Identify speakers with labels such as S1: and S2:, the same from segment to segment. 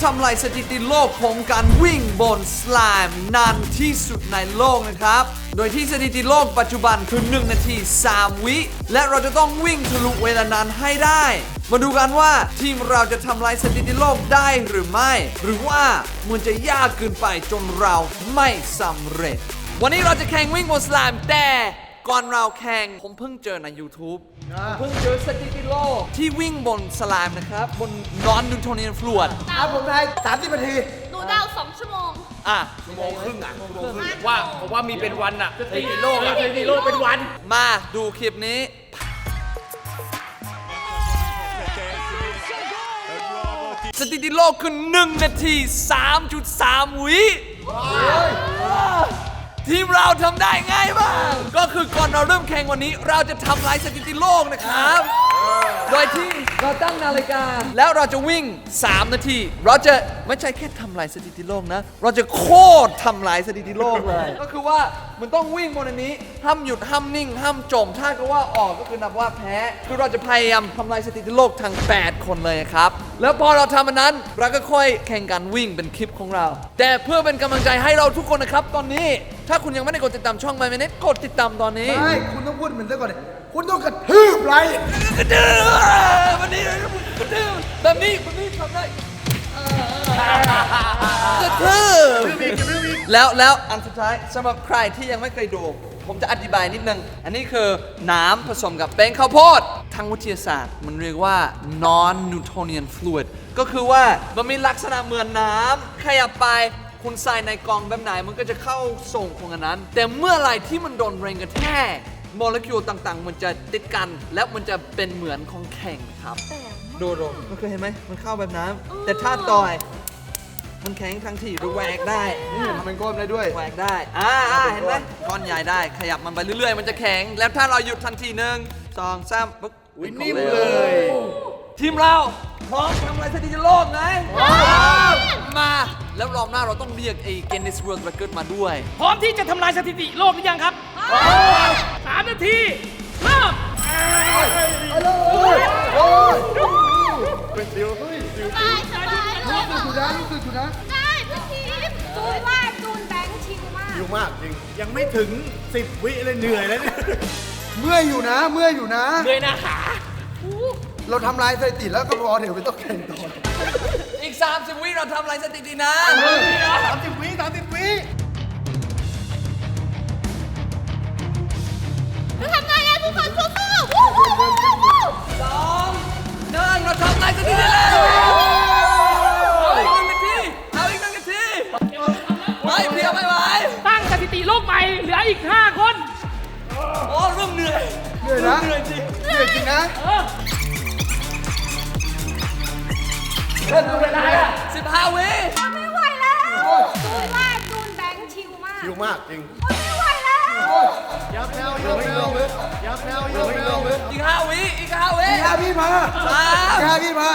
S1: ทำลายสถิติโลกของการวิ่งบนสไลม์นานที่สุดในโลกนะครับ โดยที่สถิติโลกปัจจุบันคือ1 นาที 3 วิ และเราจะต้องวิ่งทะลุเวลานั้นให้ได้ มาดูกันว่าทีมเราจะทำลายสถิติโลกได้หรือไม่ หรือว่ามันจะยากเกินไปจนเราไม่สำเร็จ วันนี้เราจะแข่งวิ่งบนสไลม์แต่ก่อนเราแข่งผมเพิ่งเจอใน YouTube เพิ่งเจอสถิติโลกที่วิ่งบนสไลม์นะครับ บน non-Newtonian fluid
S2: ผมทาย30 นาที
S3: หนูเดา2 ชั่วโมง
S1: อ่ะ
S4: ชั่วโมงครึ่งว่าผมว่ามีเป็นวันอะสถิติโลกอะสถิติโลกเป็นวัน
S1: มาดูคลิปนี้ สถิติโลกคือ1 นาที 3.3 วิ ทีมเราทำได้ง่ายมาก ก็คือก่อนเราเริ่มแข่งวันนี้เราจะทำลายสถิติโลกนะครับ โดยที่เราตั้งนาฬิกาแล้วเราจะวิ่ง 3 นาที เราจะไม่ใช่แค่ทำลายสถิติโลกนะ เราจะโคตรทำลายสถิติโลกเลย ก็คือว่ามันต้องวิ่งบนอันนี้ห้ามหยุดห้ามนิ่งห้ามจม ถ้าก็ว่าออกก็คือนับว่าแพ้ คือเราจะพยายามทำลายสถิติโลกทั้ง 8 คนเลยครับ แล้วพอเราทำอันนั้นเราก็ค่อยแข่งกันวิ่งเป็นคลิปของเรา แต่เพื่อเป็นกำลังใจให้เราทุกคนนะครับตอนนี้ ถ้าคุณยังไม่ได้กดติดตามช่อง My Minute กดติดตามตอนนี้
S2: ไม่ คุณต้องพูดเหมือนเมื่อก่อนเลยคุณต้องกระทืบไลค์
S1: กระดือวันนี้กระดือแบบนี้ทำได้กระทืบแล้วอันสุดท้ายสำหรับใครที่ยังไม่เคยดู ผมจะอธิบายนิดนึง อันนี้คือน้ำผสมกับแป้งข้าวโพดทางวิทยาศาสตร์มันเรียกว่า non-Newtonian fluid ก็คือว่ามันมีลักษณะเหมือนน้ำขยับไปคุณใส่ในกล่องแบบไหนมันก็จะเข้าส่งของอันนั้น แต่เมื่อไหร่ที่มันโดนแรงกระแทกโมเลกุลต่างๆ มันจะติดกันแล้วมันจะเป็นเหมือนของแข็งครับดูมันเคยเห็นไหมมันเข้าแบบน้ำแต่ถ้าต่อยมันแข็งทั้งที่หรือแหวกได้
S2: ทำเป็นก้อนได้ด้วย
S1: แหวกได้เห็นไหมก้อนใหญ่ได้ขยับมันไปเรื่อยๆ มันจะแข็งแล้วถ้าเราหยุดทันที1 2 3ปึ๊บ
S4: นิ่มเลย
S1: ทีมเราพร้อมทำอะไรสถิติโลกไหมมาแล้วรอบหน้าเราต้องเรียกไอ้ Guinness World Record มาด้วย
S4: พร้อมที่จะทำลายสถิติโลกหรือยังครับ3 นาทีเริ่ม
S3: สบายสบายเลย
S2: รู้สึกอยู่นะ
S3: ได้พี่ทีมจูนว่าจูนแบงค์ชิลมาก
S5: อยู่มากจริง ยังไม่ถึง 10 วิเลยเหนื่อยแล้วเนี่ย
S2: เมื่อยอยู่นะ
S4: เหนื่อยหน้าขา
S2: เราทำลายสถิติแล้วก็พอเดี๋ยวไม่ต้องแข่งต่อ
S1: อีก 30 วิเราทำอะไรสถิตินะ
S5: 30 วิ 30 วิ
S3: จะทำได้แล้วทุกคนสู้ๆวู้วู้วู้วู้วู้
S1: 2 1เราทำอะไรสถิติแล้วเอาอีก1 นาทีไม่เพียไม่ไหว
S4: ตั้งสถิติโลกใหม่เหลืออีก 5 คน
S1: โอ้เริ่มเหนื่อย
S2: เหนื่อยนะ
S1: เหนื่อยจริง
S2: เหนื่อยจริงนะ
S1: เล่นดูเวลา15 วิ
S3: ไม่ไหวแล้วจูนว่าจูนแบงค์ชิลมาก
S5: อยู่มากจริง
S3: ไม่ไหวแล้ว
S5: ยับแนวยับแนวยับแนวยับแนว
S1: อีก 5 วิอีก 5 วิ
S2: พี่พี่มา
S1: 3
S2: พี่มา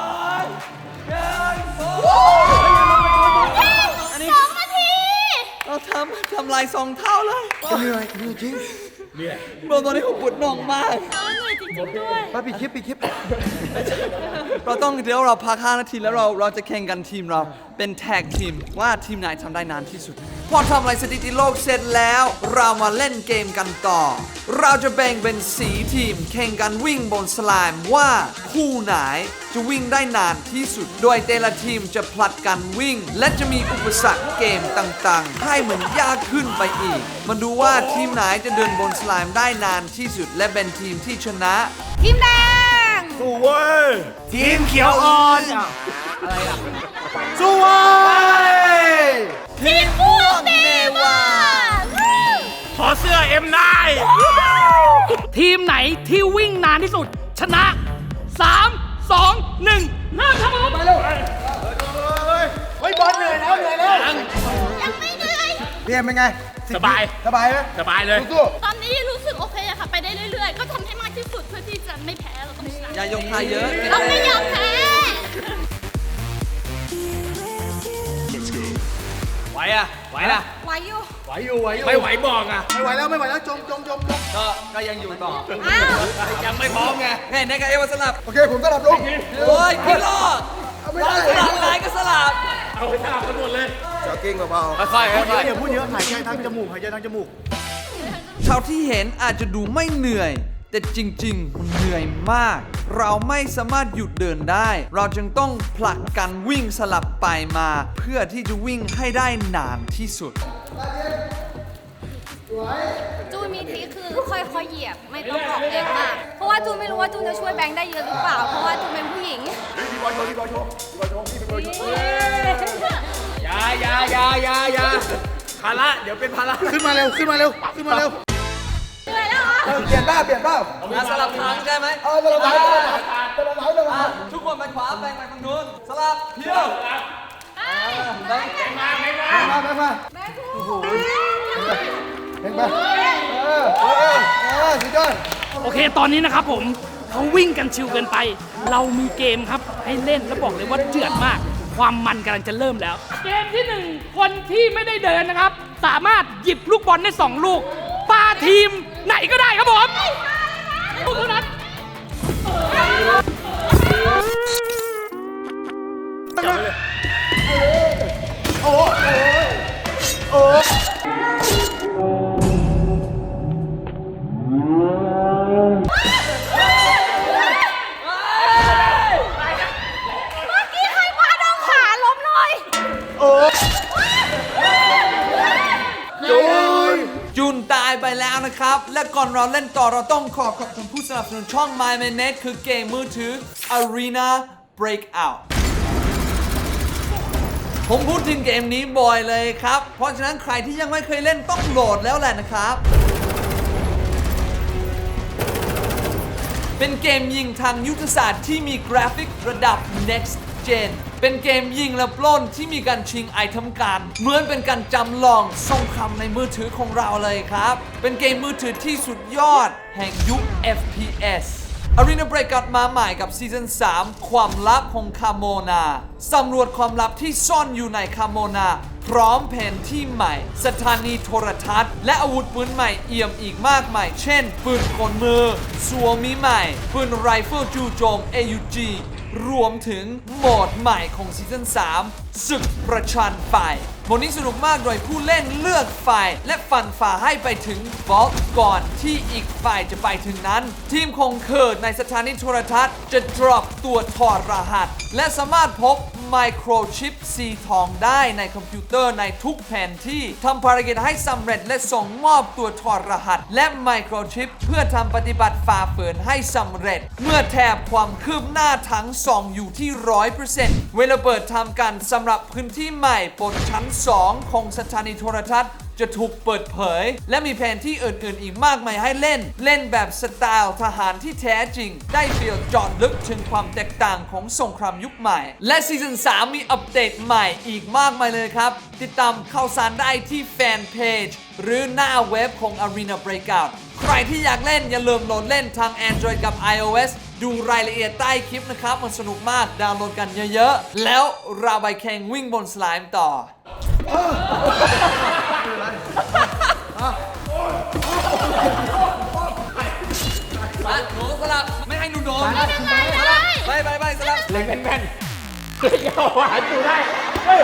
S1: อันนี้
S3: 2 นาที
S1: เราทำลาย2 เท่าเลย
S2: เหนื่อยจริง
S1: ตอนนี้ผมปวดน่องมาก
S3: เหนื่อยจริงๆด้วย
S2: มาปิดคลิป
S1: เราต้องเดี๋ยวเราพัก5 นาทีแล้วเราจะแข่งกันทีมเราเป็นแท็กทีมว่าทีมไหนทำได้นานที่สุด พอทำอะไรสถิติโลกเสร็จแล้วเรามาเล่นเกมกันต่อ เราจะแบ่งเป็น4 ทีมแข่งกันวิ่งบนสไลม์ว่าคู่ไหนจะวิ่งได้นานที่สุด โดยแต่ละทีมจะผลัดกันวิ่ง และจะมีอุปสรรคเกมต่างๆ ให้เหมือนยากขึ้นไปอีก มาดูว่าทีมไหนจะเดินบนสไลม์ได้นานที่สุด และเป็นทีมที่ชนะ
S3: ทีมแดง
S5: สู้เว้ย ทีมเขียวอ่อนสู้เว้ย
S3: ทีมพวกเนวา
S5: ขอเสื้อเอ็มได้
S4: ทีมไหนที่วิ่งนานที่สุด ชนะ 3 2 1 เริ่มครับผม
S5: เฮ้ยบอลเหนื่อยแล้ว
S3: ยังไม่เหนื่อย
S2: ๆพี่เอ็มเป็นไง
S4: สบาย
S2: สบายไหม
S4: สบายเลย
S2: สู้
S3: ตอนนี้รู้สึกโอเคอะค่ะ ไปได้เรื่อยๆ ก็ทำให้มากที่สุดเพื่อที่จะไม่แพ้เราต้องชนะ
S1: อย่ายกพายเยอะ
S3: เราไม่ยอมแพ้
S4: ไหวอะไหวนะ
S3: ไหวอยู่
S5: ไหวอยู่
S4: ไม่ไหวบอกอะ
S2: ไม่ไหวแล้วจม
S1: ก็ยังอยู่ต่อ
S3: อ้าว
S4: ยังไม่พร้อมไง
S1: เฮ้ยในกับเอวาสลับ
S2: โอเคผมสลับลง
S1: โอ้ยพี่โล
S2: เอาไม่
S1: เรา
S2: ได้
S1: สลับนายก็สลับ
S4: เอาไปสลับกันหมดเลย
S2: จ็อกกิ้งเบา
S1: ค่อยๆค่อย
S5: อย่าพูดเยอะหายใจทางจมูกหายใจทางจมูก
S1: ๆเท่าที่เห็นอาจจะดูไม่เหนื่อย แต่จริงๆมันเหนื่อยมาก เราไม่สามารถหยุดเดินได้ เราจึงต้องผลักกันวิ่งสลับไปมา เพื่อที่จะวิ่งให้ได้นานที่สุด
S6: จูนมีทริคคือค่อยๆเหยียบไม่ต้องออกแรงมาก เพราะว่าจูนไม่รู้ว่าจูนจะช่วยแบงค์ได้เยอะหรือเปล่า เพราะว่าจูนเป็นผู้หญิง
S4: อย่าภาระเดี๋ยวเป็นภาระ
S5: ขึ้นมาเร็ว ขึ้นมาเร็ว ขึ้นมาเร็ว
S6: เหนื่อยแล้วเหรอ
S2: เปลี่ยนเปล่า
S1: สลับทางใช่ไหม
S2: สลับไหน
S1: ทุกคนไปขวาแบงไปทางนู้นสลับเพียวแบง
S2: มา
S6: แม่พูด
S2: เห็นไหมสุดยอด
S4: โอเค ตอนนี้นะครับผมเขาวิ่งกันชิวเกินไป เรามีเกมครับให้เล่นแล้วบอกเลยว่าเดือดมาก ความมันกำลังจะเริ่มแล้ว เกมที่ 1 คนที่ไม่ได้เดินนะครับ สามารถหยิบลูกบอลได้ 2 ลูกปาทีมไหนก็ได้ครับผมลูกเท่านั้น
S6: เมื่อกี้ใครพาน้องขาล้มหน่อย
S1: จุนตายไปแล้วนะครับ และก่อนเราเล่นต่อเราต้องขอบคุณผู้สนับสนุนช่อง My Manet คือเกมมือถือ Arena Breakout ผมพูดถึงเกมนี้บ่อยเลยครับ เพราะฉะนั้นใครที่ยังไม่เคยเล่นต้องโหลดแล้วแหละนะครับ เป็นเกมยิงทางยุทธศาสตร์ที่มีกราฟิกระดับ next gen เป็นเกมยิงและปล้นที่มีการชิงไอเทมการเหมือนเป็นการจำลองสงครามในมือถือของเราเลยครับ เป็นเกมมือถือที่สุดยอดแห่งยุค FPS Arena Breakout มาใหม่กับซีซั่น 3 ความลับของคาโมนาสำรวจความลับที่ซ่อนอยู่ในคาโมนาพร้อมแผนที่ใหม่ สถานีโทรทัศน์และอาวุธปืนใหม่เอี่ยมอีกมากมาย เช่น ปืนกลมือสวมิใหม่ ปืนไรเฟิลจู่โจม AUG รวมถึงโหมดใหม่ของซีซั่น 3 ศึกประชันไฟโหมดนี้สนุกมากโดยผู้เล่นเลือกฝ่ายและฟันฝ่าให้ไปถึงบอสก่อนที่อีกฝ่ายจะไปถึงนั้น ทีมของเคิร์ดในสถานีโทรทัศน์จะ drop ตัวถอดรหัส และสามารถพบไมโครชิปสีทองได้ในคอมพิวเตอร์ในทุกแผนที่ทำภารกิจให้สำเร็จและส่งมอบตัวถอดรหัส และไมโครชิปเพื่อทำปฏิบัติฝ่าฝืนให้สำเร็จ เมื่อแถบความคืบหน้าทั้ง 2 อยู่ที่ 100% เวลาเปิดทำการสำหรับพื้นที่ใหม่บนชั้น 2 ของสถานีโทรทัศน์จะถูกเปิดเผย และมีแผนที่อื่นๆ อีกมากมายให้เล่นแบบสไตล์ทหารที่แท้จริง ได้เฟีลเจาะลึกถึงความแตกต่างของสงครามยุคใหม่ และซีซั่น 3 มีอัปเดตใหม่อีกมากมายเลยครับ ติดตามข่าวสารได้ที่แฟนเพจหรือหน้าเว็บของ Arena Breakout ใครที่อยากเล่นอย่าลืมโหลดเล่นทาง Android กับ iOS ดูรายละเอียดใต้คลิปนะครับ มันสนุกมากดาวน์โหลดกันเยอะๆ แล้วเราไปแข่งวิ่งบนสไลม์ต่อ มาหนูสลับไม่ให้หนูโดนไปสลับเล็งแม่นๆเอาหวานอยู่ได้เฮ้ย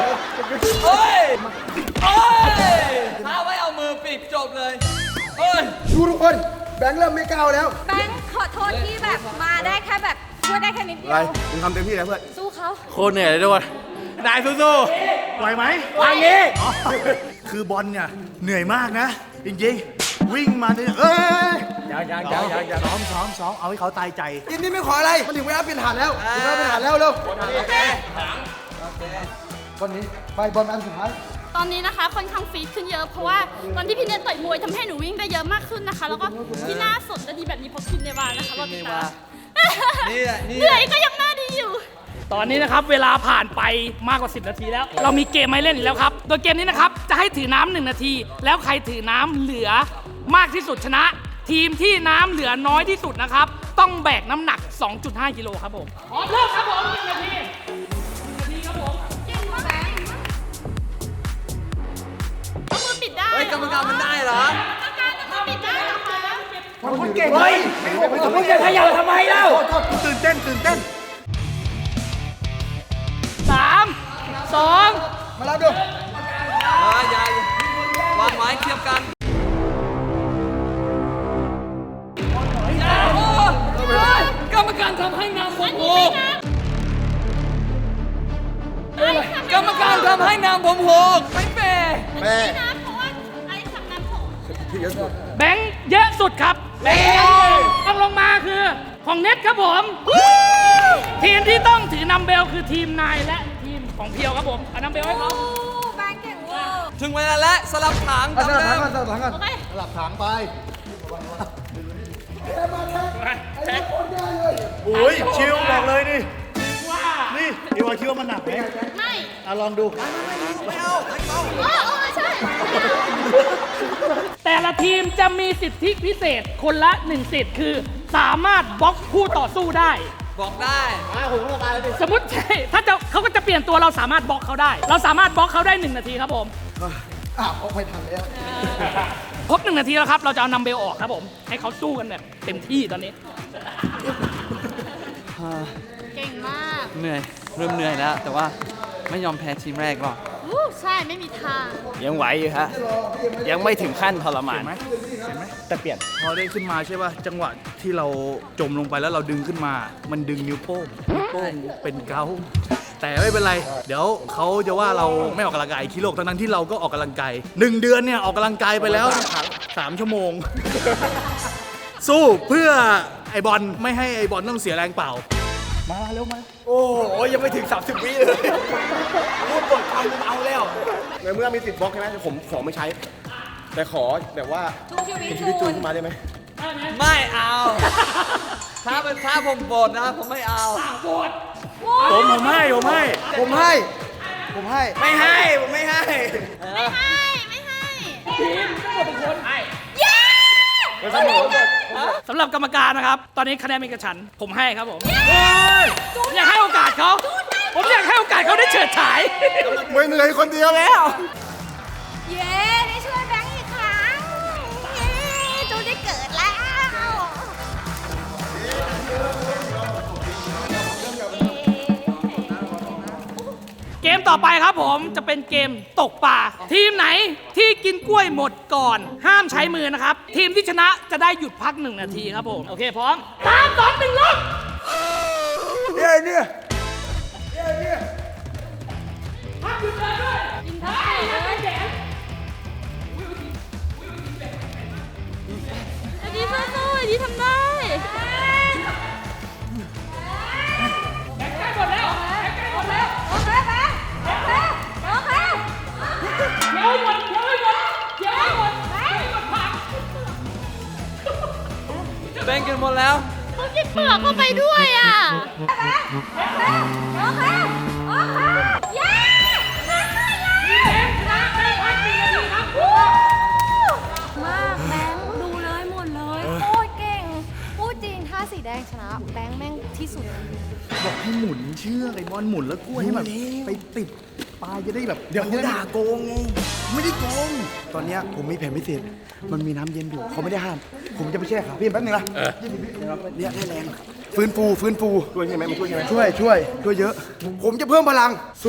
S1: ถ้าไม่เอามือปิดจบเลยเฮ้ย
S2: ดูทุกคนแบงค์เริ่มไม่ก้าวแล้ว
S6: แบงค์ขอโทษที่แบบมาได้แค่แบบช่วยได้แค่นิดเดีย
S2: อะไร
S6: ว
S2: มึงทำเต็มที่แล้วเพื่อน
S6: สู้เขา
S5: โคตรเหนื่อยเลยด้วยนายสู้ๆไหวไหมทางนี้ คือบอลเนี่ยเหนื่อยมากนะ จริงๆ วิ่งมาเนี่ยยังซ้อมเอาให้เขาตายใจ
S2: ทีมนี้ไม่ขออะไร มันถึงเวลาเปลี่ยนฐานแล้วถึงเวลาเปลี่ยนฐานแล้วเร็วบอลนี้ไปบอลอันสุดท้าย
S3: ตอนนี้นะคะค่อนข้างฟีดขึ้นเยอะ เพราะว่าตอนที่พี่เนทต่อยมวยทำให้หนูวิ่งได้เยอะมากขึ้นนะคะ แล้วก็ที่หน้าสดและดีแบบนี้เพราะคินเนวานะคะเราติดตาม
S1: นี่แหละ
S3: เหนื่อยก็ยังหน้าดีอยู่
S4: ตอนนี้นะครับเวลาผ่านไปมากกว่า 10 นาทีแล้ว เรามีเกมให้เล่นอีกแล้วครับ โดยเกมนี้นะครับจะให้ถือน้ำ1 นาที แล้วใครถือน้ำเหลือมากที่สุดชนะ ทีมที่น้ำเหลือน้อยที่สุดนะครับต้องแบกน้ำหนัก 2.5 กิโลครับผมพร้อมเริ่มครับผม1 นาทีครับผม
S3: เอามือปิดได้
S1: เฮ้ยกรรมการมันได้เหรอ
S3: กรรมการเอามือปิดได้เหรอคะ
S2: คนเก่งเฮ้ย
S4: มึงจะขยับทำไมเล่า
S5: ตื่นเต้น
S4: 3 2 2
S2: มารับดู
S1: วางไม้เทียบกันกรรมการทำให้นางผมโหกกรรมการทำให้นางผมโหกไม่แฟร์
S2: แม่
S3: นะเพราะว่าไอ้ทำน้ำผม
S4: แบงค์เยอะสุดครับแบงค์ต้องลงมาคือของเน็ตครับผม ทีมที่ต้องถือนัมเบลคือทีมนายและทีมของเพียวครับผมเอานัมเบลให้เขา
S6: แบงค์เก่งเวอร์
S1: ถึงเวลาแล้วสลับถัง
S2: สลับ
S1: ตาม
S2: ถัง
S1: เดิ
S2: ก่อน
S1: ม
S2: สลับถังก่อน
S3: โอเค
S2: สลับถังไป
S5: โอ้ยชิวบอกเลยนี่นี่เดี๋ยวคิดว่ามันหนักไหม
S3: ไม่
S5: ลองดู
S3: ใช่
S4: แต่ละทีมจะมีสิทธิพิเศษคนละ1สิทธิ์คือสามารถบล็อกคู่ต่อสู้ได้
S1: บอกได้
S4: สมมติใช่ถ้าจะเขาก็จะเปลี่ยนตัวเราสามารถบล็อกเขาได้ เราสามารถบล็อกเขาได้1 นาทีครับผม
S2: ออกไปทันแล้ว
S4: ครบ1 นาทีแล้วครับเราจะเอานัมเบลออกครับผมให้เขาสู้กันแบบเต็มที่ตอนนี้
S3: เก่งมาก
S1: เหนื่อยเริ่มเหนื่อยแล้ว แต่ว่าไม่ยอมแพ้ทีมแรกหรอก
S3: อู้ใช่ไม่มีทาง
S7: ยังไหวอยู่ฮะ ยังไม่ถึงขั้นทรมาน
S5: แต่เปลี่ยนพอได้ขึ้นมาใช่ป่ะจังหวะที่เราจมลงไปแล้วเราดึงขึ้นมา มันดึงนิ้วโป้งเป็นเกาต์แต่ไม่เป็นไร เดี๋ยวเขาจะว่าเราไม่ออกกำลังกายขี้โลกทั้งๆที่เราก็ออกกำลังกาย1 เดือนเนี่ยออกกำลังกายไปแล้ว3 ชั่วโมง สู้เพื่อไอบอลไม่ให้ไอบอลต้องเสียแรงเปล่า มาเร็วมา
S7: โอ้โหยังไม่ถึง 30 วิเลยพูดกดคำเอาแล้ว ในเมื่อมีติดบล็อกใช่ไหมผมขอไม่ใช้ แต่ขอแบบว่า
S6: ชูชีวิต
S7: เป็นชีวิตจูนขึ้นมาได้ไหม
S1: ไม่เอา ถ้าผมโบนนะ ผมไม่เอา
S5: ผมให้
S2: ผมให้ ผมให้
S7: ไม่ให้ ผมไม่ให้
S3: ไม่ให้ ไม่ให้
S4: สำหรับกรรมการนะครับ ตอนนี้คะแนนเป็นกระฉันผมให้ครับผมผมอยากให้โอกาสเขาผมอยากให้โอกาสเขาได้เฉิดฉาย
S7: ไม่เหนื่อยคนเดียวแล้ว
S6: เย้ได้ช่วยแบงค์อีกครั้งเย้จูนได้เกิดแล้ว
S4: เกมต่อไปครับผมจะเป็นเกมตกปลาทีมไหนที่กินกล้วยหมดก่อนห้ามใช้มือนะครับ ทีมที่ชนะจะได้หยุดพัก1 นาทีครับผมโอเคพร้อม3 2 1ลง
S2: เนี่ย
S4: พักหยุดเลยด้วยกินท้ายนะแขน
S3: ไอ้ดีสู้ๆไอ้ดีทำได้
S4: ใกล้หมดแล้วใกล้หมดแล้ว
S6: โอเคแบงค์โอเคโอเค
S4: เดี๋ยวให้หมดเดี๋ยวให้หมดเดี๋ยวให้หมดเดี๋ยวให้หมดพัก
S1: แบ่งกันหมดแล้ว
S3: เขากินเปลือกเข้าไปด้วยอ่ะ
S6: โอเคโอเคเย้
S4: ชนะได้พัก1 นาทีครับ
S6: มากแบงค์ดูเลยหมดเลยโคตรเก่งพูดจริงถ้าสีแดงชนะแบงค์แม่งที่สุด
S5: บอกให้หมุนเชือกไอบอลหมุนแล้วกล้วยให้แบบไปติดปลายจะได้แบบ
S7: เดี๋ยวเขาด่าโกงไง
S5: ไม่ได้โกง
S2: ตอนเนี้ยผมมีแผนพิเศษ มันมีน้ำเย็นอยู่ เขาไม่ได้ห้าม ผมจะไปแช่ขาพี่แป๊บนึงนะเนี่ยให้แรงฟื้นฟู
S7: ช่วยใช่ไหมมันช่วยใช่ไหม
S2: ช่วยเยอะ ผมจะเพิ่มพลัง สู้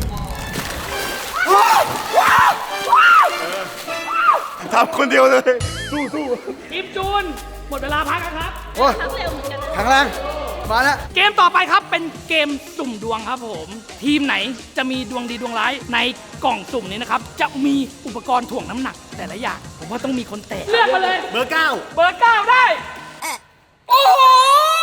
S7: ทำคนเดียวเลย
S4: ทีมจูนหมดเวลาพักแล้วครับ
S2: โอ้ย
S3: ทั้งเร็วเหมือนกันนะ
S2: แข็งแรงมาแล้ว
S4: เกมต่อไปครับเป็นเกมสุ่มดวงครับผม ทีมไหนจะมีดวงดีดวงร้ายในกล่องสุ่มนี้นะครับ จะมีอุปกรณ์ถ่วงน้ำหนักแต่ละอย่าง ผมว่าต้องมีคนแตะเลือกมาเลย
S5: เบอร์ 9
S4: เบอร์ 9 ได้ โอ้โห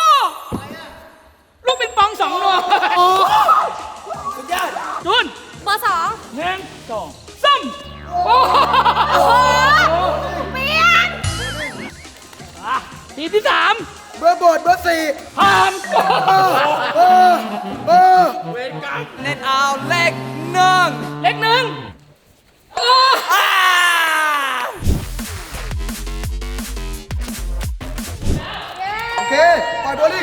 S4: ลูกปิงปอง2 ดวงสุดยอดจูน
S6: เบอร์สอง
S4: 1 2 3โอ้โห
S6: เปลี่ยน
S4: อ่ะทีมที่ 3
S2: เบอร์โบดเบอร์สี่
S4: พาม
S2: เบอร์
S1: เน็ตเอาเลข1
S4: เล็กหนึ่งโอ้
S2: โอเค ปล่อยโบลิ่ง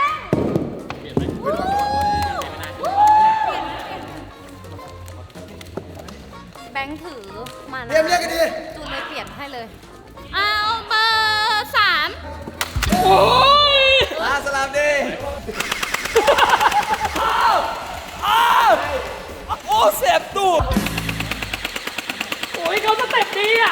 S6: แบงค์ถือมานะ
S2: เรียกกันดี
S6: จูนเลยเปลี่ยนให้เลย
S3: เอาเบอร์3
S4: โอ้ย
S1: สลามดีโอ้
S4: โอ้ยเขาสเต็ปดีอ่ะ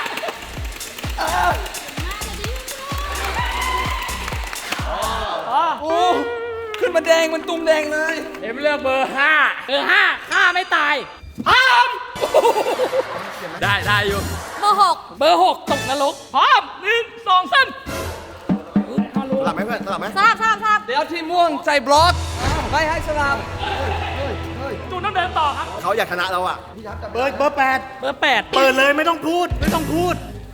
S1: โอ้ขึ้นมาแดงมันตุ้มแดงเลย
S4: เอ็มเลือกเบอร์ 5 เบอร์ 5ฆ่าไม่ตายพร้อม
S1: ได้อยู่
S6: เบอร์
S4: เบอร์ 6 ตกนรกพร้อม1 2 3
S7: สลับไหมเพื่อนสลับไหม
S6: 6ทราบ
S1: เดี๋ยวทีมม่วงใจบล็อกไม่ให้สลับ
S4: จูนต้องเดินต่อครับ
S7: เขาอยากชนะเราอ่ะ
S5: เบอร์ 8
S4: เบอร์ 8
S5: เปิดเลยไม่ต้องพูด ไม่ต้องพูด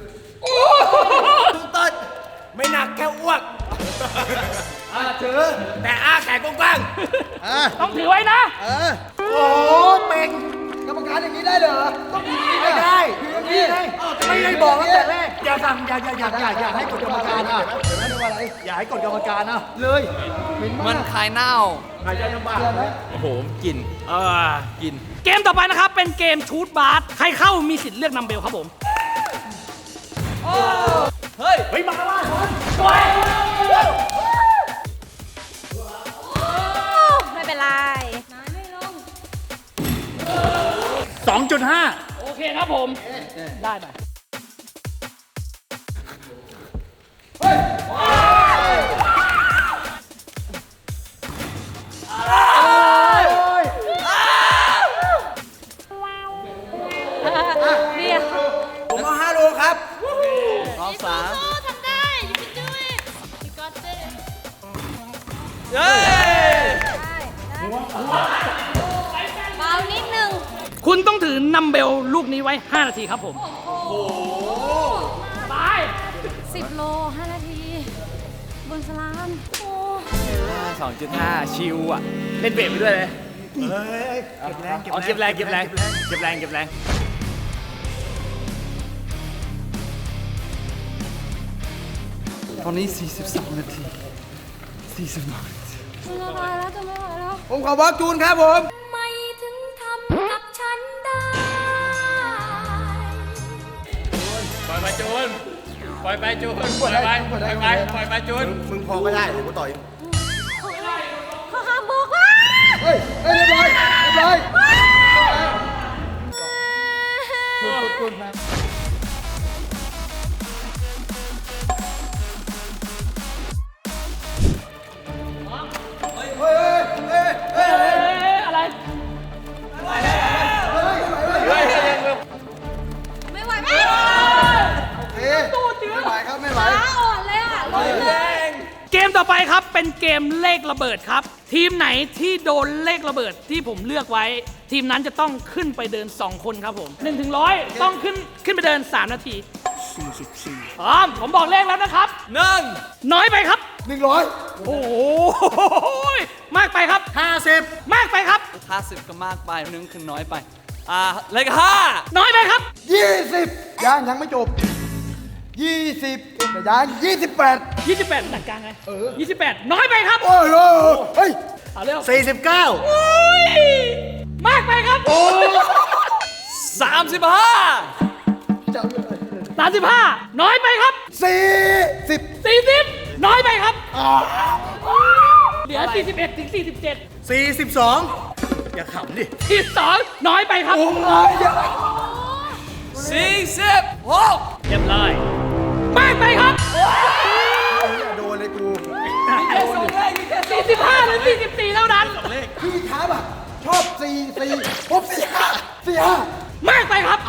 S7: ตุ้งเต้นไม่หนักแค่อ้วกถือแต่อ้าแขนกว้าง
S4: ต้องถือไว้นะ
S5: โอ้โหเป็น
S2: กรรมการอย่างนี้ได้เหรอ ต้องอย่างนี้
S5: ไม่ได้ไม่ได้บอกตั้งแต่แรกอย่าสั่งอย่าให้กดกรรมการอ่ะอย่าให้กดกรรมการอ่ะ
S2: เลย
S1: มันคายเน่า
S7: ๆหายใจลำบาก
S1: โอ้โหกลิ่นกลิ่น
S4: เกมต่อไปนะครับ เป็นเกมชูตบาสใครเข้ามีสิทธิ์เลือกนัมเบลครับผม
S1: เฮ้ย
S5: เฮ้ยมาว่า
S6: ๆไม่เป็นไร
S5: 2.5
S4: โอเคครับผม ได้ไป
S6: เดียว
S7: ผมเอา5 โลครับ
S1: รอบสาม
S3: สู้ๆทำได้ you can do it you got it
S1: เฮ้ย
S6: เบานิดนึง
S4: คุณต้องถือนัมเบลลูกนี้ไว้ 5 นาทีครับผม ไป
S6: 10 โล 5 นาที บนสลามโอ้
S1: 2.5 ชิวอ่ะ เล่นเบรกไปด้วยเลย
S5: เฮ้ยเก็บแรง
S1: เก็บแรง ตอนนี้ 42 นาที 42 นาที
S6: จะไม่ไหวแล้วจะไม่ไหวแล้ว
S2: ผมขอบล็อกจูนครับผม
S6: ไม่ถึงทำกับฉันได้
S1: ปล่อยไปจูน ปล่อยไปจูน ปล่อยไปจูน
S7: มึงพอก็ได้เดี๋ยวกูต่อย
S6: เขาห้ามบอกว่า
S2: เฮ้ยเรียบร้อย
S4: อะไร
S6: ไม่ไหวไหม
S2: ไม่ไหวครับ ไม่ไหว
S6: ขาอ่อนเลยอ่ะลงเลย
S4: เกมต่อไปครับเป็นเกมเลขระเบิดครับ ทีมไหนที่โดนเลขระเบิดที่ผมเลือกไว้ ทีมนั้นจะต้องขึ้นไปเดิน 2 คนครับผม1 ถึง 100 ต้องขึ้นไปเดิน 3 นาที 44พร้อมผมบอกเลขแล้วนะครับ
S1: 1
S4: น้อยไปครับ
S2: 100
S4: โอ้โหมากไปครับ
S5: 50
S4: มากไปครับ
S1: 50 ก็มากไปนึงคือน้อยไป เลข
S4: น้อยไปครับ
S2: 20ยังไม่จบ 20แต่ยัง28
S4: 28หนักกลางไง28 น้อยไปครับ
S2: โอ้โหเฮ้ย
S4: เอาเร็ว
S5: 49
S4: อุ้ยมากไปครับ
S1: 5
S4: 35 น้อยไปครับ
S2: 40
S4: 40 น้อยไปครับเหลือ 41 ถึง 47
S5: 42 อย่าขำดิ
S4: 42 น้อยไปครับ
S1: 46
S4: เรียบร้อย มากไปครับ
S2: โดนเลยกู
S4: 45 หรือ 44 เท่านั้น
S2: พี่ครับอ่ะชอบ44ผม45
S4: มากไปครับ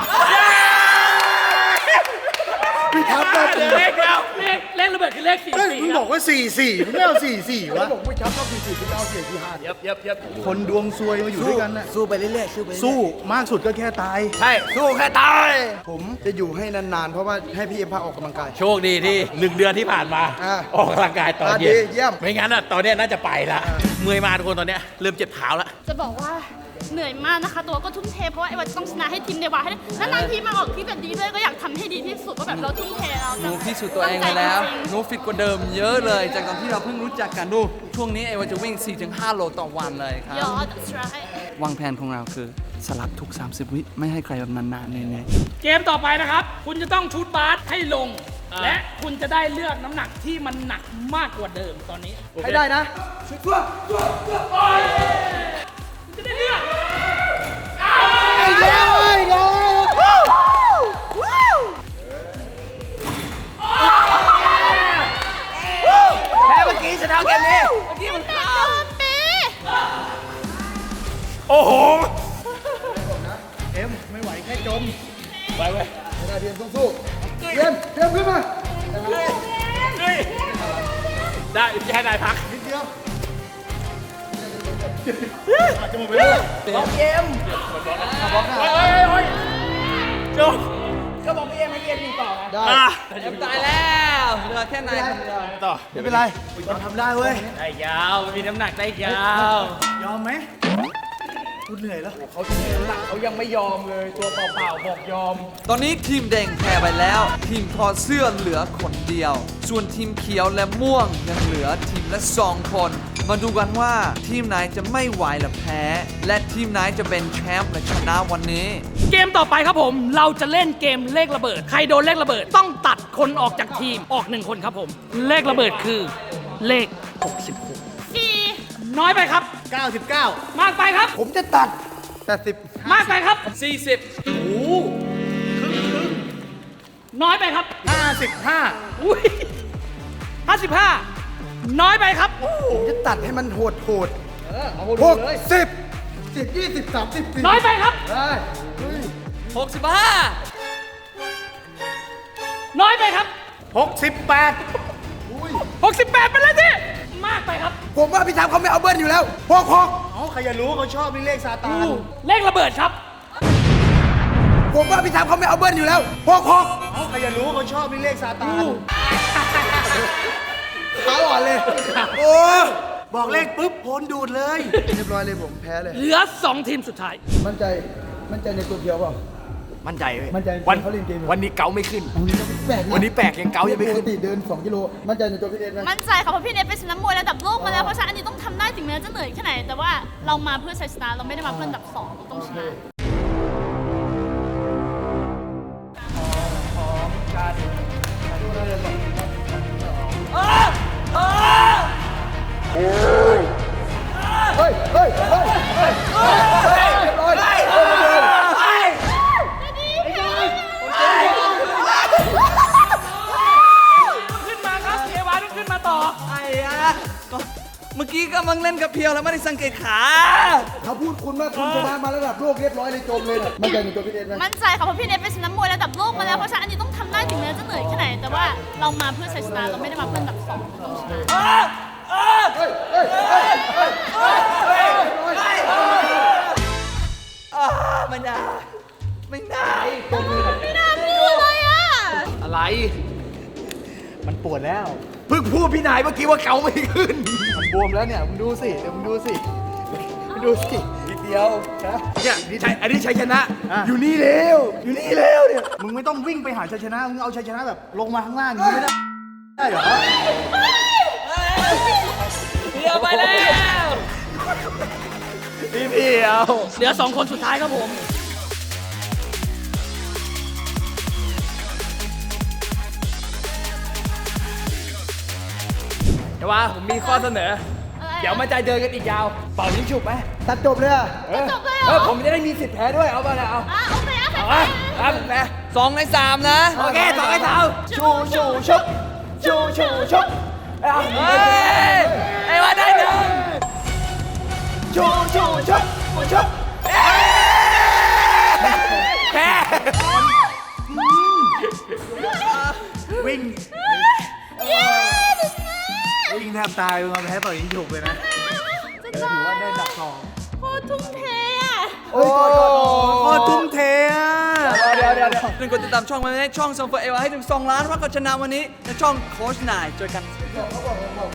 S2: พี่ครับได้ตี
S4: เลขระเบิดคือเลข
S5: เฮ้ยมึง
S4: 44
S5: บอกว่า 44มึงไม่เอา 44
S2: แล้ว
S5: วะ
S2: บอกไม่ชอบ44พี่เอา45
S5: คนดวงซวยมาอยู่ด้วยกันน่ะ
S2: สู้ไปเรื่อยๆสู้ไป
S5: สู้มากสุดก็แค่ตาย
S1: ใช่ สู้แค่ตาย
S2: ผมจะอยู่ให้นานๆ เพราะว่าให้พี่เอ็มพาออกกำลังกาย
S8: โชคดีที่ 1 เดือนที่ผ่านมา
S2: อ่า
S8: ออกกำลังกายตอนเย็
S2: ดี
S8: น
S2: เยี่ยม
S8: ไม่งั้นอ่ะตอนเนี้ยน่าจะไปละเมื่อยมาทุกคนตอนเนี้ยเริ่มเจ็บเท้าละ
S3: จะบอกว่าเหนื่อยมากนะคะ ตัวก็ทุ่มเทเพราะว่าไอ้วันต้องชนะให้ทีมเดวาให้ได้นานๆทีมาออกที่แบบดีด้วยก็อยากทำให้ดีที่สุดว่าแบบเราทุ่มเทเรา
S1: หนูพิสูจน์ตัวเองไปแล้ว หนูฟิตกว่าเดิมเยอะเลย จากตอนที่เราเพิ่งรู้จักกันดู ช่วงนี้ไอ้วันจะวิ่ง 4-5 โลต่อวันเลยครับ
S3: ยอด that's right
S1: วางแผนของเราคือสลับทุก 30 วิไม่ให้ใครแบบนานๆแน่
S4: เกมต่อไปนะครับ คุณจะต้องชูตบาสให้ลง และคุณจะได้เลือกน้ำหนักที่มันหนักมากกว่าเดิมตอนนี้
S2: ให้ได้นะ
S4: จะได้เลือก
S2: ไอ้เหี้ยให้จมไปเว้ยไม่ได้เทียมสู้ๆเทียมขึ้นมา
S8: ได้แค่นายพัก
S2: นิดเดียว
S5: จะหมดไปเลย
S1: บล็อกเอ็ม
S8: จบ
S4: ก็บอกพี่เอ็มให้เอ็มยิงต่อไง
S2: ได้
S1: เอ็มตายแล้วเหลือแค่นายคนเดียว
S8: ต่อ
S2: ไม่เป็นไร
S5: เราทำได้เว้ย
S8: ได้ยาวมีน้ำหนักได้ยาว
S5: ยอมไหมกูเหนื่อยแล้ว
S4: เขายังไม่ยอมเลยตัวเปล่าๆบอกยอม
S1: ตอนนี้ทีมแดงแพ้ไปแล้ว ทีมถอดเสื้อเหลือคนเดียว ส่วนทีมเขียวและม่วงยังเหลือทีมละ2 คน มาดูกันว่าทีมไหนจะไม่ไหวและแพ้ และทีมไหนจะเป็นแชมป์และชนะวันนี้
S4: เกมต่อไปครับผม เราจะเล่นเกมเลขระเบิด ใครโดนเลขระเบิดต้องตัดคนออกจากทีมออก1 คนครับผม เลขระเบิดคือเลข
S3: สี่
S4: น้อยไปครับ
S5: 99
S4: มากไปครับ
S2: ผมจะตัด80
S4: มากไปครับ
S1: 40
S4: น้อยไปครับ
S5: 55
S4: อุ้ย55 น้อยไปครับ
S2: ผมจะตัดให้มันโหด60 10 20 30
S4: น้อยไปครับ
S2: ได้
S1: 65
S4: น้อยไปครับ
S5: 68
S4: 68เป็นเลยสิมากไปครับ
S2: ผมว่าพี่ทำเขาไม่เอาเบิ้ลอยู่แล้ว66
S5: เอาใครจะรู้เขาชอบนี่เลขซาตาน
S4: เลขระเบิดครับ
S2: ผมว่าพี่ทำเขาไม่เอาเบิ้ลอยู่แล้ว66
S5: เอาใครจะรู้เขาชอบนี่เลขซาตาน
S2: ขาอ่อนเลย โอ้
S5: บอกเลขปุ๊บพ้นดูดเลย
S2: เรียบร้อยเลยผมแพ้เลย
S4: เหลือ 2 ทีมสุดท้าย
S2: มั่นใจในตัวเพียวเปล่า
S7: มั่นใจเว้ย
S2: มั่นใจ
S7: วัน
S2: เขาเล่นเกมอยู่
S7: วันนี้เกาไม่ขึ้น
S2: แปลกะ
S7: วันนี้แปลกยังเกายังไม่ขึ้น
S2: ปกติเดิน 2 กิโล มั่นใจในตัวพี่เอ็นไหม
S3: มั่นใจค่ะเพราะพี่เนทเป็นชนะมวยระดับโลกมาแล้วเพราะฉะนั้นอันนี้ต้องทำได้ถึงแม้จะเหนื่อยแค่ไหน แต่ว่าเรามาเพื่อชัยชนะเราไม่ได้มาเพื่ออันดับ 2เราต้องชนะ
S2: เฮ้ยเรียบร้อย
S4: ขึ้นมาครับเอวาต้องขึ้นมาต่อ
S1: ไอ้อะก็เมื่อกี้กำลังเล่นกับเพียวแล้วไม่ได้สังเกตขา
S2: เขาพูดคุณว่าคุณชนะมาระดับโลกเรียบร้อยเลยจมเลยนะมั่นใจในตัวพี่เอ็นไหม
S3: มั่นใจค่ะเพราะพี่เนทเป็นชนะมวยระดับโลกมาแล้วเพราะฉะนั้นอันนี้ต้องทำได้ถึงแม้จะเหนื่อยแค่ไหน แต่ว่าเรามาเพื่อชัยชนะเราไม่ได้มาเพื่ออันดับ 2เราต้องชนะ
S1: ไม่ได้ไม่ได้
S3: ไม่น่าพูดเลยอ่ะ
S1: อะไร
S5: มันปวดแล้ว
S7: เพิ่งพูดพี่นายเมื่อกี้ว่าเกาไม่ขึ้น
S2: มันบวมแล้วเนี่ย มึงดูสิ เดี๋ยวมึงดูสิ ดูสิ
S7: นิดเดียวนะเนี่ยอันนี้ชัยชนะ อยู่นี่เร็ว อยู่นี่เร็วเนี่ย
S5: มึงไม่ต้องวิ่งไปหาชัยชนะ มึงเอาชัยชนะแบบลงมาข้างล่างอย่างนี้ไม่ได้ ได้เหรอ
S1: เพียวไปแล้ว
S7: พี่เพียว
S4: เหลือ 2 คนสุดท้ายครับผม
S1: เดี๋ยวว่าผมมีข้อเสนอ เดี๋ยวมันจะเดินกันอีกยาว เป่ายิงฉุบไหม
S2: ตัดจบเลยอะ
S3: จบเลยเหรอ
S1: ผมจะได้มีสิทธิ์แพ้ด้วย เอาไปเลยเอา
S3: โอเคโอเค
S1: เอาครับแพ้2 ใน 3 นะ โอเค2 ใน 3 ชูชูชุบชูชูชุบเฮ้ยไอ้ว่าได้หนึ่งชูชูชุบชุบแพ้
S5: วิ่ง วิ่งแทบตายมึงเอาแพ้เป่ายิงฉุบเลยนะ
S3: จะตาย
S5: ถือว่าได้ดับทอง
S3: โคตรทุ่มเทอ่ะ
S2: โอ้ย
S5: โคตรทุ่มเทอ่ะ
S1: เดี๋ยวเป็นกดติดตามช่องมาให้ช่องซองเฟอร์เอวให้ถึง2 ล้านว่าก็ชนะวันนี้ในช่องโค้ชนายเจอกัน